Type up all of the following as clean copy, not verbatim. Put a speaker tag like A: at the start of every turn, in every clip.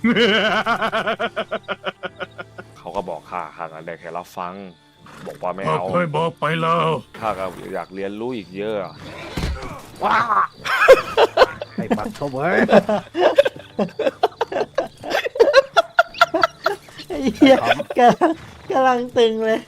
A: เขาก็บอกข้าก็ได้แค่รับฟังบอกว่าไม่
B: ข้า
A: เอา
B: เคยบอกไปแล้ว
A: ข้าก็อยากเรียนรู้อีกเยอะ
B: ว้า
C: ให้ปักเขาไว้
D: ไอ้เหี้ยกำลังตึงเลย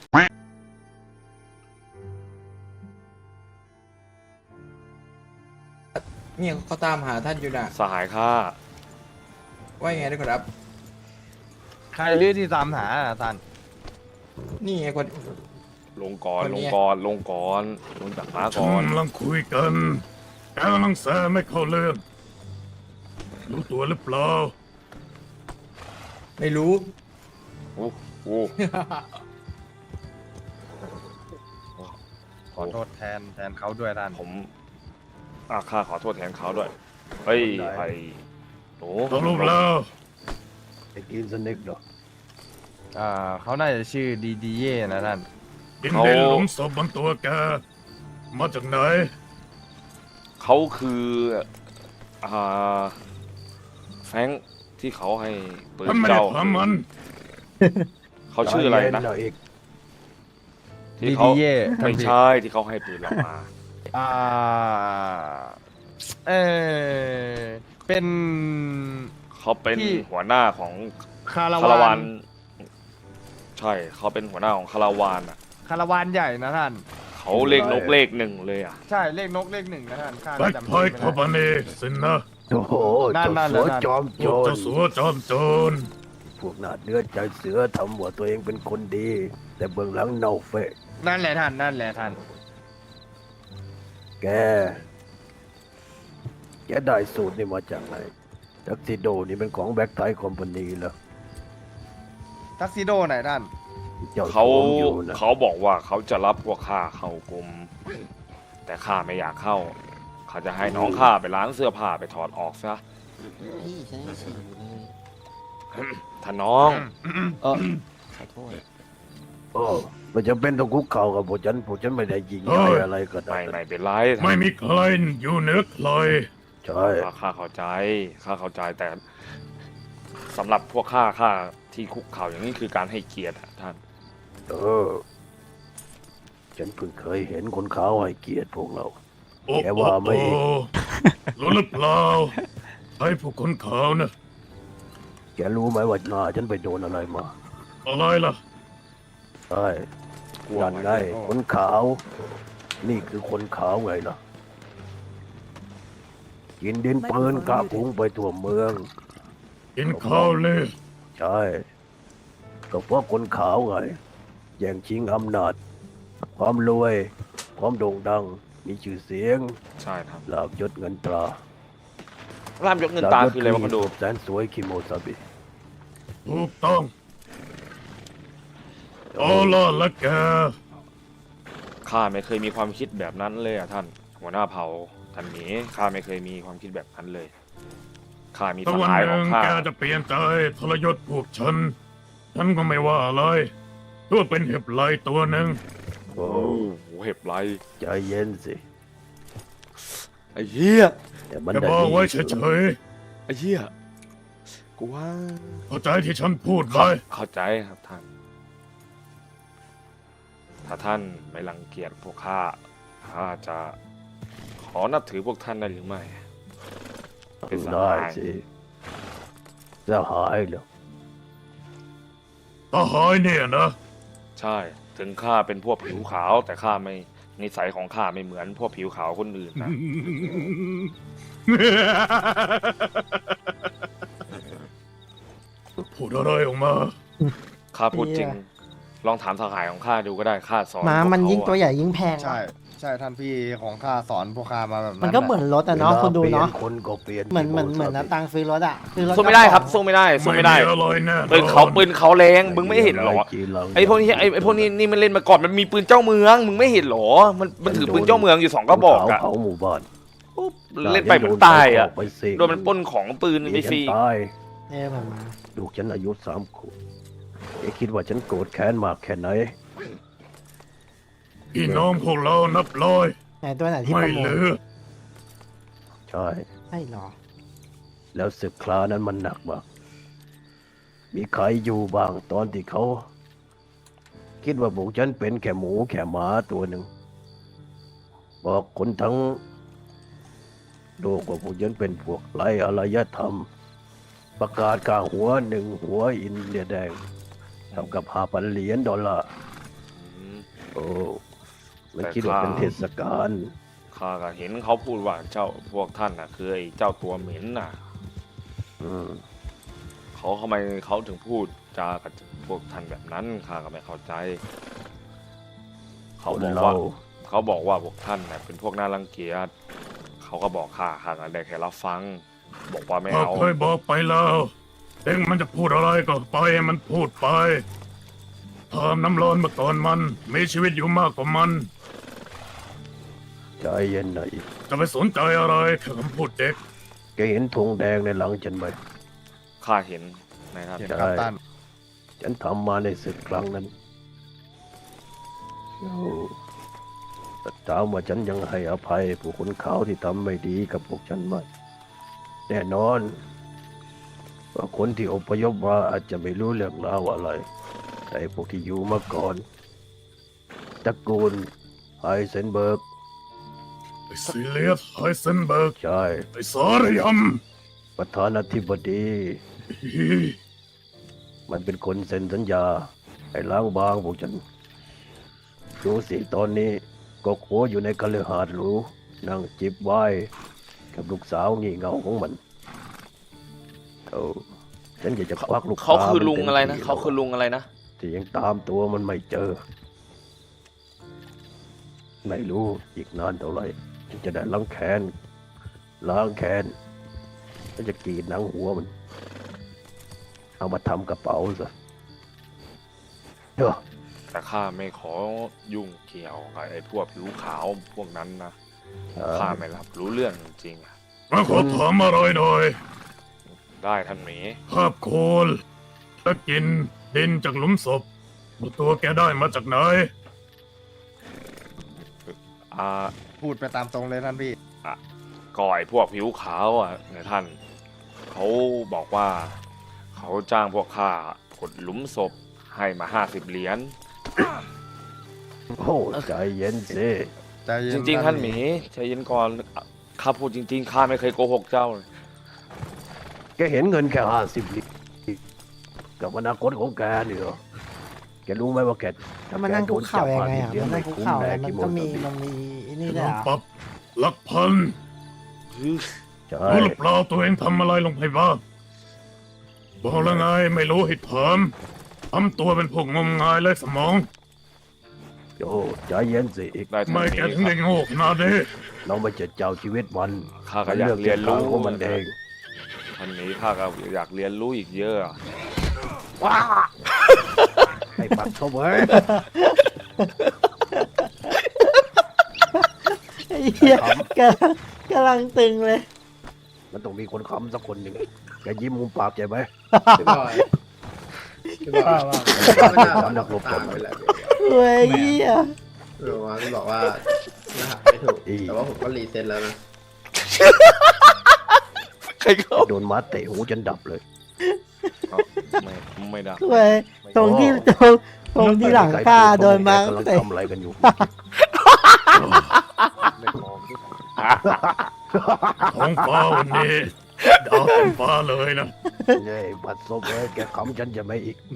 E: เนี่ยเขาตามหาท่านอยู่น่ะ
A: สหายข้า
E: ว่ายังไงด้วยครับ
C: ใครเรียกที่ตามหาท่าน
E: นี่ไงคน
A: ลงก่อน
E: คน
A: ล
E: เนี้
A: ง
E: ย
A: ก่อนลงก่อนลงจากม้า
B: ฉั
A: ก่อน
B: นกำลังคุยกันแกกำลังแซไม่เข้าเรื่องรู้ตัวหรือเปล่า
E: ไม่รู้
A: โอ้โห
C: ขอโทษแทนเขาด้วยท่าน
A: ผมข้าขอโทษแทนเขาด้วยเฮ้ย
C: ได้
A: ไอ้โอ้
B: สรุปแล้ว
C: ไอ้กินสนิกเหรอเขาน่าจะชื่อดีเย่นะท่าน
B: ดินเดนหลุมศพบนตัวแกมาจากไหน
A: เขาคือแฟรงค์ที่เขาให้ปืน
B: ท่านไม่ได้
A: เจ้า
B: ทำมัน
A: เขาชื่ออะไรนะที่เขา
C: DDA
A: ไม่ใช่ที่เขาให้ปืนเรามา
C: อ่าเออเป็น
A: เขาเป็น
C: ที่
A: หัวหน้าของ
C: คาร
A: คาราว
C: าน
A: นใช่เขาเป็นหัวหน้าของคาราวานอ่ะ
C: คาราวานใหญ่นะท่าน
A: เขาเลขนกเลขหนึ่งเลยอ่ะ
C: ใช่เลขนกเลขหนึ่งนะท่านข้า
B: แบล็ค
C: จำ
B: พอย
C: ไม่
B: คอ
C: ได้
B: บานีสินนะ
F: โอ้โห
C: นั่น
F: เจ้า
C: นั่น
F: สัว
C: นั่น
F: จอม
B: พ
F: โจ
B: วก
F: ร
B: เจ้าสัวจอมโจร
F: พวกหน้าเนื้อใจเสือทำหัวตัวเองเป็นคนดี แต่เบื้องหลังเน่าเฟะ
C: นั่นแหละท่านนั่นแหละท่าน
F: แกได้สูตรนี่มาจากไหนทักซิโดนี่เป็นของแบ็คไทคอมพานีเหรอ
C: ทักซิโดไหนท่าน
F: เจ้า
A: เขา
F: สวมอยู่นะ
A: เขาบอกว่าเขาจะรับพวกข้าเข้ากรมแต่ข้าไม่อยากเข้า เขาจะให้น้องข้าไปล้างเสื้อผ้าไปถอดออกซะ
D: พี่ฉันยังฉี่อยู่เลย
A: ท่านน้อง
D: ขอโทษ
F: โอ้มันจะเป็นต้องคุกเข่ากับพวกฉันไม่ได้ยิงใหญ่อะไรก็ได้
A: ไม่เป็นไร
B: ไม่มีใครอยู่เหนือใคร
F: ใช่
A: ข้าเข้าใจแต่สำหรับพวกข้าที่คุกเข่าอย่างนี้คือการให้เกียรติอะท่าน
F: ฉันเพิ่งเคยเห็นคนขาวให้เกียรติพวกเรา
B: โอ้
F: แกว่าไหม
B: โอ้รู้หรือเปล่าใครผู้คนขาวนะ
F: แกรู้ไหมว่าหน้าฉันไปโดนอะไรมา
B: อะไรล่ะ
F: ใช่
A: กลัว
F: นั่น
A: ไหม
F: ไงคนขาว นี่คือคนขาวไงล่ะกินดินปืนกะพุงไปทั่วเมือง
B: กินข้าวเลย
F: ใช่ ก็เพราะคนขาวไงแย่งชิงอำนาจ ความรวย ความโด่งดัง มีชื่อเสียง
A: ใช่ครับ
F: ลาบยศเงินตรา
A: ร่ามยกเงินตาคืออะไรวะคนดู
F: แสนสวยคิโมซาบิ
B: ถูกต้องเอาล่ะและแก
A: ข้าไม่เคยมีความคิดแบบนั้นเลยอะท่าน หัวหน้าเผ่าท่านหมีข้าไม่เคยมีความคิดแบบนั้นเลยข้ามี
B: ถ้า
A: ส
B: วัน
A: หาย
B: ห
A: ขอ
B: นึ่
A: ง
B: ง
A: ข้า
B: แกจะเปลี่ยนใจทรยศพวกฉันก็ไม่ว่าอะไรตัวเป็นเห็บไหลตัวหนึ่ง
F: โอ้
A: โอ้โหเห็บไร
F: ใจเย็นสิ
A: ไอ้เหี้ย
F: แต่มัน
B: จะ
F: ได้
B: บอก
F: ดี
B: ไว้
F: สุด
B: เฉย
A: ไอ้เหี้ยกูว่า
B: ๆเข้าใจที่ฉันพูดไหม
A: เข้าใจครับท่าน ถ้าท่านไม่รังเกียจพวกข้าจะขอนับถือพวกท่านได้หรือไม่ เป็นส
F: ได้
A: หาย
F: สิสหายเหรอ
B: ทหารเนี่ยนะ
A: ใช่ ถึงข้าเป็นพวกผิวขาว แต่ข้าไม่นิสัยของข้าไม่เหมือนพวกผิวขาวคนอื่นนะ
B: พูดอะไรออกมา
A: ข้าพูดจริง ลองถามสหายของข้าดูก็ได้ข้าสอน
D: ม้า
A: พวก
D: มัน
A: เขา
D: ยิ่งตัว
A: อะ
D: ใหญ่ยิ่งแพง
C: ใช่ใช่ท่านพี่ของข้าสอนพวกข้ามาแบบนั้น
D: มันก็เหมือนรถอะเนาะคุณดูเนาะ
F: วลปลี่ยคนก็เปลี่ยน
D: เหมือนนะตังค์ซื้อรถอะซื้อรถ
A: สู้ไม่ได้ครับสู้ไม่ได้สู้ไม่ได้
B: อะไรแน่
A: ปืนเขาแรงมึงไม่เห็นเหรอ ไอ้พวกนี้ไอ้พวกนี้นี่มันเล่นมาก่อนมันมีปืนเจ้าเมืองมึงไม่เห็นเหรอ มันถือปืนเจ้าเมืองอยู่2 กระบอกอะ
F: เผาหมู่บ้าน
A: ปุ๊บเล่นไปเหมือนตายอะ
F: ไปสิ
A: โดนมันปล้นของปืนไปฟรี
F: ตาย
D: เหมือนม้า
F: ลูกฉันอายุ3 ขวบเอ๊ะคิดว่าฉันโกรธแค้นมากแค่ไหน
B: พี่น้องพวกเรานับร้อย
D: ไหนตัวไหนที่
B: ไม่
D: ประมู
B: เห
D: ล
B: ลือ
F: ใช่
D: ใช่หรอ
F: แล้วศึกคลานั้นมันหนักมากมีใครอยู่บ้างตอนที่เขา คิดว่าพวกฉันเป็นแค่หมูแค่หมาตัวหนึ่ง บอกคนทั้งโลกว่าพวกฉันเป็นพวกไร้อารยธรรม ประกาศค่าหัว1 หัวอินเดียแดงเท่ากับ5,000 เหรียญดอลลาร์
A: อืม
F: โอ้มันคิดว่าเป็นเทศกาล
A: ข้าก็เห็นเขาพูดว่าเจ้าพวกท่านน่ะคือไอ้เจ้าตัวเหม็นน่ะ
F: อืม
A: เขาทำไมเขาถึงพูดจากับพวกท่านแบบนั้นข้าก็ไม่เข้าใจ เขาบอกว่าพวกท่านน่ะเป็นพวกน่ารังเกียจเขาก็บอกข้าก็ได้แค่รับฟัง บอกว่าไม่
B: ข้า
A: เอา
B: เคยบอกไปแล้วเองมันจะพูดอะไรก็ปล่อยให้มันพูดไปเพิ่มน้ำร้อนมาก่อนมันมีชีวิตอยู่มากกว่ามัน
F: ใจเย็นหน่อย
B: จะไปสนใจอะไรแค่คำพูดเด็ก
F: แกเห็นธงแดงในหลังฉันไหม
A: ข้าเห็นนะครับ
C: เห็นครับท่าน
F: ฉันทำมาในศึกครั้งนั้นโอ้แต่ถามว่าฉันยังให้อภัยผู้คนเขาที่ทำไม่ดีกับพวกฉันไหมแน่นอนว่าคนที่อพยพมาอาจจะไม่รู้เรื่องราวอะไร แต่พวกที่อยู่มาก่อนตระกูลไฮเซนเบิร์ก
B: ไอ้ซิเลียสไฮเซนเบิร์ก
F: ใช่
B: ไอ้สารย
F: ประธานาธิบดี
B: ำ
F: มันเป็นคนเซ็นสัญญาให้ล้างบางพวกฉันดูสิตอนนี้ก็โขอยู่ในคฤหาสน์หรูนั่งจิบไวน์กับลูกสาวงี่เง่าของมันฉันอยากจะควักลูก
A: เขาคือ
F: ตามัน
A: ลุงอะไรนะ
F: ต็มที่
A: เขาคือลุงอะไรนะ
F: ที่ยังตามตัวมันไม่เจอ ไม่รู้อีกนานเท่าไหร่ฉันจะได้ล้างแค้นฉันจะกรีดหนังหัวมัน เอามาทำกระเป๋าซะเด้อ
A: แต่ข้าไม่ขอยุ่งเกี่ยวกับไอ้พวกผิวขาวพวกนั้นนะข้าไม่รับรู้เรื่องจริงๆอะ
B: มาขอถามอะไรหน่อย
A: ได้ท่านหมี
B: ภาพโคลและกินดินจากหลุมศพตัวแกได้มาจากไหน
A: อ่า
C: พูดไปตามตรงเลยท่านพี่
A: ก่อยพวกผิวขาวอ่ะนายท่านเขาบอกว่า เขาจ้างพวกข้าขุดหลุมศพให้มา50 เหรียญ
F: โอ้ใจเย็นสิ
C: ใจเย็
A: จ
C: น
A: ริงๆท่านหมีใจเย็นก่อนข้าพูดจริงๆข้าไม่เคยโกหกเจ้าเลย
F: แกเห็นเงินแค่50 เหรียญกับอนาคตของแกนี่เหรอแกรู้ไหมว่าแก
D: แล้วมันนั่งคุกเข่ายังไงอ่ะ
F: แกโดนจับ50
D: มันนั่งคุกเข่าแล้วมันก็มีนี่ด้วย
B: น้
D: เหร
B: อง
D: อ
B: ปรับหลักพัน
F: ใช่
B: รู้หรือเปล่าตัวเองทำอะไรลงไปบ้างบอกแล้วไงไม่รู้ให้ถามทำตัวเป็นพวกงมงายไร้สมอง
F: โอ้ใจเย็นสิอีก
A: ได้ท่านห
B: ไม่
A: มี
B: แกถึงได้โง่ขนาดนี้
F: เราไม่จะเจ้าชีวิตมัน
A: ข้าก็อยากเรียนรู้
F: ของมันเอง
A: ท่านหมีข้าก็อยากเรียนรู้อีกเยอะอะ
F: ให้ปัดเข้าไว้
D: ไอ้เหี้ยกำลังตึงเลย
F: มันต้องมีคนค้ำสักคนหนึ่งแกยิ้มมุมปากใจไหม
E: พี่บอยพี่บอยไม่น่า
F: นักรบ
E: ตามไปแล้ว
D: เว้ยเหี้ย
E: พี่บอกว่ารหัสไม่ถูก แต่ว่าผมก็รีเซ็ตแล้วนะ
A: ใครเขา
F: โดนม้าเตะหูจนดับเลย
A: ไม่ได้
D: เว้ยตรงที่หลังข้าโดนมา
F: แกกำลัง
D: เตะ
F: ทำอะไรกันอยู่
B: ท้องฟ้าวันนี้ดาวเต็มฟ้าเลยนะ
F: เนี่ยบัดซบเลยแกขำฉันจะไม่อีก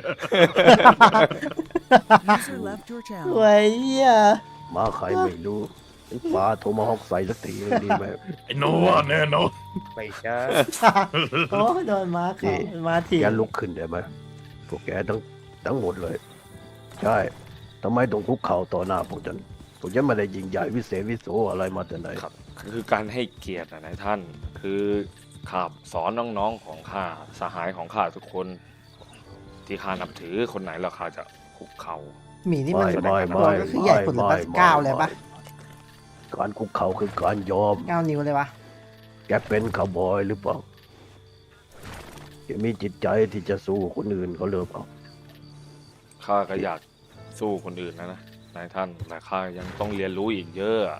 G: User left your channel.
D: เว้ยเหี้ย
F: มาใครไม่รู้ปลาโทรมาฮอกใส่สักทีนึงดีไหม
B: ไอ้โนว่าแน่นอน
F: ไม่ใช่
D: โอ้โดนมาเขามาถีบ
F: แกลุกขึ้นได้ไหมพวกแกทั้งหมดเลย ใช่ทำไมต้องคุกเข่าต่อหน้าพวกฉันไม่ได้ยิงใหญ่วิเศษวิโสอะไรมาแต่ไหน
A: ครับคือการให้เกียรตินายท่าน คือข้าสอนน้องๆของข้าสหายของข้าทุกคน ที่ข้านับถือคนไหนแล้วข้าจะคุกเข่า
D: หมีนี่มัน
F: ไม่
D: ตัวก็คือใหญ่สุดเลยปะก้าวเลยปะ
F: การคุกเข่าคือการยอม
D: 9 นิ้วเลยปะ
F: แกเป็นคาวบอยหรือเปล่าแกมีจิตใจที่จะสู้คนอื่นเขาหรือเปล่า
A: ข้าก็อยากสู้คนอื่นนะนายท่านแต่ข้ายังต้องเรียนรู้อีกเยอะอะ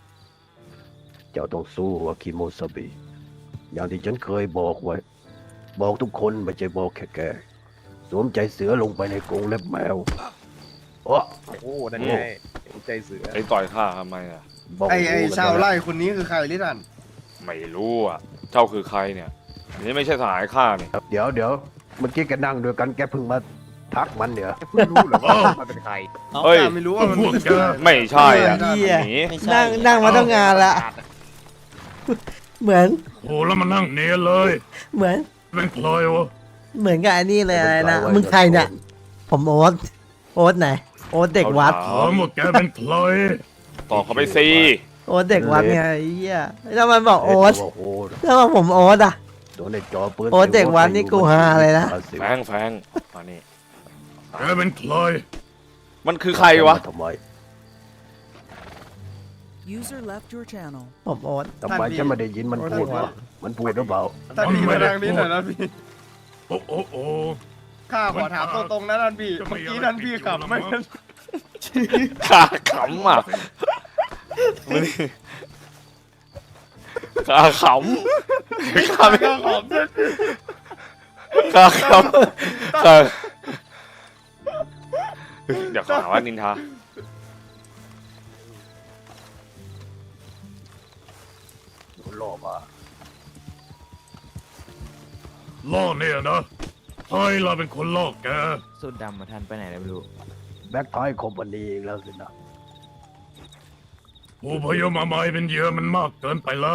F: เจ้าต้องสู้ว่าคิโมซาบิอย่างที่ฉันเคยบอกไว้บอกทุกคนไม่ใช่บอกแค่แกสวมใจเสือลงไปในกรงเล็บแมวโอ้
C: โอ้นั่นไงใจเสือ
A: ไอ้ต่อยข้าทำไมอ่ะ
F: บอก
C: ไอ้
F: รู้กัน
C: ชาว
F: แล้ว
C: ไร่คนนี้คือใครลิทัน
A: ไม่รู้อ่ะ เจ้าคือใครเนี่ยอันนี้ไม่ใช่สหายข้าเนี่ย
F: เดี๋ยวเมื่อกี้แกนั่งด้วยกันแกเพิ่งมาทักมันเดี๋ยว
C: เพิ่งรู้เหรอว่ามันเป็นใคร
A: เฮ้ย
C: ไม่รู้ว่ามัน
B: พวกแก
A: ไม่ใช่อ่ะ
D: เหี้ย
A: หนี
D: นั่งมาต้องงานละ เหมือน
B: โอ้แล้วมานั่งเนียนเลย
D: เหมือน
B: เป็นใครวะ
D: เหมือนกับอันนี้เลยอะไรนะ
F: เป็นใครวะ
D: มึงใครเนี่ย ผมโอ๊ตโอ๊ตไหน โอ๊ตเด็กวัด
B: ถามว่าแกเป็นใคร
A: ต่อเขาไปสิ
D: โอ๊ตเด็กวัดไงไอ้เหี้ยแล้วมันบอกโอ๊ต
F: โอ้โห
D: แล้วมาผมโอ๊ตอ่ะ
F: โดนในจอปืน
D: โอ้เด็กวัดนี่กูฮาเลยนะ
A: แฟงมานี่
B: แกเป็นใคร
A: มันคือใครวะ
F: ทำไม
G: User left your channel.
D: ผมโอ๊ต
F: ทำไมฉันไม่ได้ยินมันพูดวะมันพูดหรือเปล่า
C: ท่านพี่มาทางนี้หน่อยนะพี่
B: โอ้โอ้โอ้
C: ข้าขอถามตรงๆนะท่านพี่ เมื่อกี้ท่านพี่ขับไม่
A: ขาขำอ่ะมานี่ขาขำขาไม่
C: ข้าขอบด้วย
A: ขาขำขาเดี๋ยวเขาหาว่านินทา
F: โดนล่อมา
B: ล่อเนี่ยนะใครเราเป็นคนล่อแก
H: สุดดำมาทันไปไหนแล้วไม่รู้
F: แบ็คไทยคอมพานีเองแล้วสินะ
B: ผู้พยพมาใหม่เป็นเหยื่อมันมากเกินไปแล้ว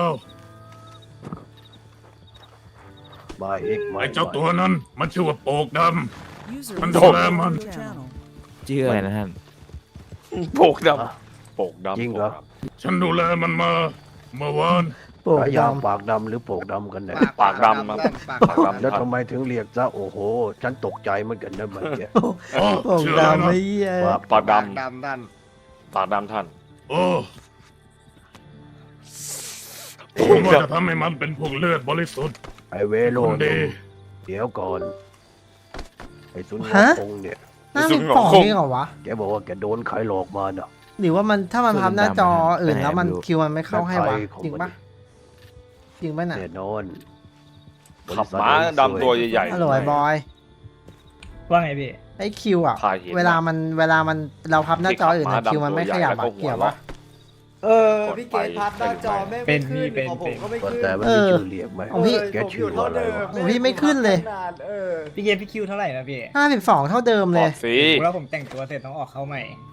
F: มาอีกมา
B: ไอ้เจ้าตัวนั้นมันชื่อว่าโปกด
G: User
B: มัน
G: was
B: โดน
G: left
B: มัน
G: your channel.
H: ชื่ออะไรนะท่าน
A: โปกดำโปกดำ
F: จริงเหรอ
B: ำฉันดูแลมันมาเมื่อวาน
D: ปลูก
F: ฉายา
D: ดำ
F: ปากดำหรือโปกดำกันแน่
A: ปากดำครับ
C: ปาก
A: ปาก
C: ดำ
A: ดำ
F: แล้วทำไมถึงเรียกซะโอ้โห ฉันตกใจเหมือนกันนะเมื่อกี้
B: อ๋อ
D: ปลูก
B: ชื่ออะไร
D: ดำ
B: นะ
D: ไอ้เหี้ย
F: ปาก
A: ปากด
C: ปากดำท่าน
A: ำปากดำท่าน
B: โอ้ผมว่าจะทำให้มันเป็นพวกเลือดบริสุทธิ์
F: ไอเวโร
B: คนดี
F: เดี๋ยวก่อนไอสุนทรพงษ์เนี่ย
D: น่ามีของนี่เหรอวะ
F: แกบอกว่าแกโดนใครหลอกมาเนาะ
D: หรือว่ามันถ้ามันพับหน้าจออื่น
H: ไปไหน
D: แล้วมัน
H: ไม่รู้
D: คิวมันไม่เข้าให้วะ
F: แบ็คไทยของ
D: จริงปะ
F: มัน
D: จริงปะน่ะ
F: แน่นอน
A: ขับม้าดำตัวใหญ่ๆ
D: ฮัลโหลไอ้บอย
I: ว่าไงพี่
D: ไอ้คิวอ่ะ
A: พาเห็น
D: เวลามันเราพับหน้าจออื่นอะคิวมันไม่ขยับอะเกี่ยวปะ
A: พี่เกตพับหน้าจอไม่
I: เป็นพี่เป็น
F: แต่มันมีชื่อเรียกไหม
D: ของพี่
F: แกชื่อว่าอะไรวะ
D: โอ้พี่ไม่ขึ้นเลย
I: พี่เกมพี่คิวเท่าไหร่นะพี่
D: 52เท่าเดิม
A: บ
D: เล
A: อย กสิ
I: แล้วผมแต่งตัวเสร็จต้องออกเข้าใหม่